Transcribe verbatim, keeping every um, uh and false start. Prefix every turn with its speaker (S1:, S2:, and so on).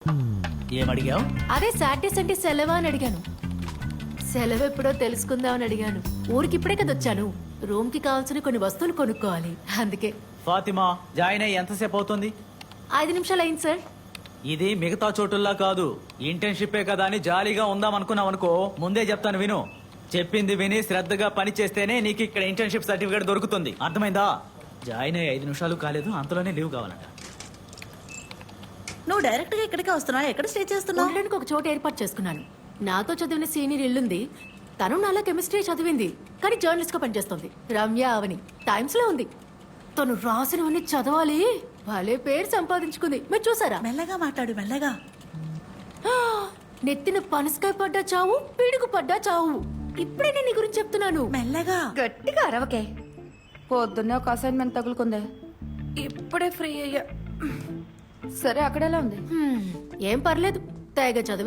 S1: ఏమడిగావు?
S2: అదే Saturday Sunday సెలవా అని అడిగాను. సెలవు ఎప్పుడో తెలుసుకుందామని అడిగాను. ఊరికి ఇప్పుడే కదా వచ్చాను. రూమ్ కి కావాల్సిన కొన్ని వస్తువులు కొనుక్కోవాలి, అందుకే.
S1: ఫాతిమా, జాయిన్ అయ్యి ఎంతసేపు అవుతుంది?
S2: ఐదు నిమిషాలు అయింది సార్.
S1: ఇది మిగతా చోటుల్లా కాదు, ఇంటర్న్షిప్పే కదా అని జాలీగా ఉందాం అనుకున్నావు అనుకో, ముందే చెప్తాను విను. చెప్పింది విని శ్రద్ధగా పని చేస్తేనే నీకు ఇక్కడ ఇంటర్న్షిప్ సర్టిఫికేట్ దొరుకుతుంది, అర్థమైందా? జాయిన్ అయ్యి ఐదు నిమిషాలు కాలేదు, అంతలోనే లీవ్ కావాలంట.
S3: నువ్వు డైరెక్ట్ గా ఇక్కడికే వస్తున్నావు? ఎక్కడ స్టే చేస్తున్నావు?
S2: ఉండడానికి ఒక చోట ఏర్పాటు చేసుకున్నాను. నాతో చదివిన సీనియర్ ఇల్లుంది. తను నాలా కెమిస్ట్రీ చదివింది, కానీ జర్నలిస్ట్ గా పనిచేస్తుంది. రమ్య అవని టైమ్స్ లో ఉంది. తను రాసినవన్నీ చదవాలి. భలే పేరు సంపాదించుకుంది, మీరు చూసారా?
S3: మెల్లగా మాట్లాడు, మెల్లగా.
S2: నెత్తిన పనసకాయ పడ్డా చావు, పిడుగు పడ్డా చావు. ఇప్పుడే నేను నీ గురించి చెప్తున్నాను.
S3: మెల్లగా.
S4: గట్టిగా అరవకే. పొద్దున్నే ఒక అసైన్మెంట్ తగులుకుందే, ఇప్పుడే ఫ్రీ అయ్యా. సరే, అక్కడెలా ఉంది?
S2: హ్మ్, ఏం పర్లేదు, తెగ చదివి